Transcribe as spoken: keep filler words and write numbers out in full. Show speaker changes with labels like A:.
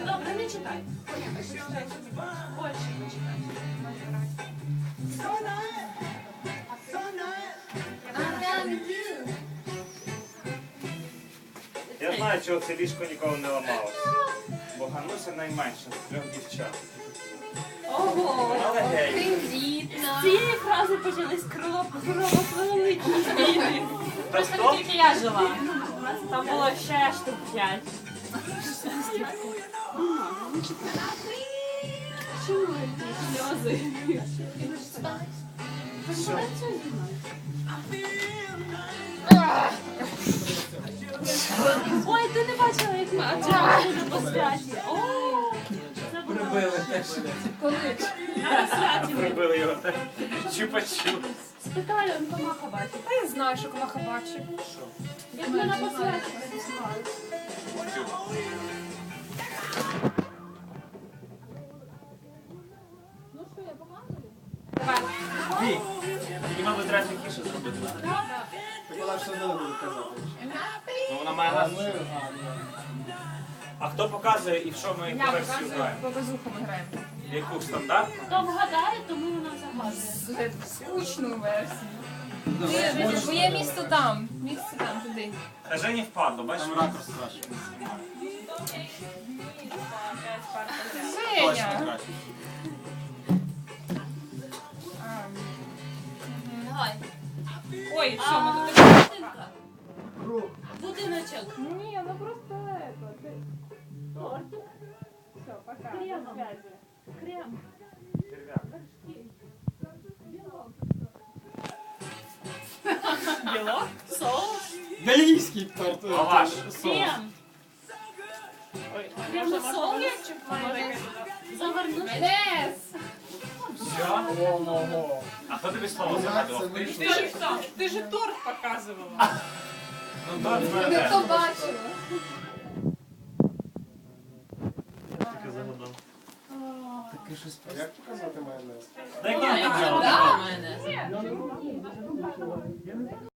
A: добре, не читай. Більше не читай.
B: Я знаю, чого це ліжко ніколи не ламалося. Бо Гануся найменша з трьох дівчат.
A: Ого!
B: Але гей.
A: З цієї фрази почались кровопролитні війни.
B: Та
A: Просто
B: хто?
A: не тільки я жила. Там було ще штук п'ять. Чому ці сльози?
B: Що?
A: Ой, ти не бачила, як ми отримали по святі. О, це було.
C: Прибили теж.
A: Коли? На святі.
B: Прибили його так. Чупа-чуп.
A: Спитаю, он комаха бачить.
D: Та я знаю, що комаха бачить.
A: Як ми на посвяті пересували. Ну що, я показую?
B: Ні. Мені, мабуть, треба тихіше зробити.
C: Так вона все одно не буде казати.
B: Ну вона має
C: А
B: нас.
C: ми...
B: А хто показує і в що ми яку версію граємо?
D: Показуху ми граємо.
B: Яку стандартну?
A: Хто вгадає, тому вона загадує.
D: Скучну версію. Ні, бо є місто там. Місце там, туди.
B: Та Жені впадло, бачиш?
C: Там ракурс краще. Точно
D: Женя!
C: краще.
A: Давай.
D: Ой, що ми тут?
A: Будинка. Будиночок.
D: Ні, ну просто это. ти-
A: Тортик.
D: Все, пока.
A: Кремом. Крем. Білок. Соус.
C: Бельгійський торт. е,
B: Лаваш.
C: соус.
A: Крем.
D: Ой,
A: Крем на соус.
D: Може,
A: Завернути.
D: Нес!
B: Все?
C: Ого.
B: А хто тобі слово
C: Як це
B: загадував?
D: Ти
C: вийшло?
D: ж хто? Ти ж торт показувала.
B: Ну так,
D: Не
B: мене.
D: хто бачила.
C: Таке щось. Як показати майонез?
B: Дай кілька.
D: Да?
C: Я не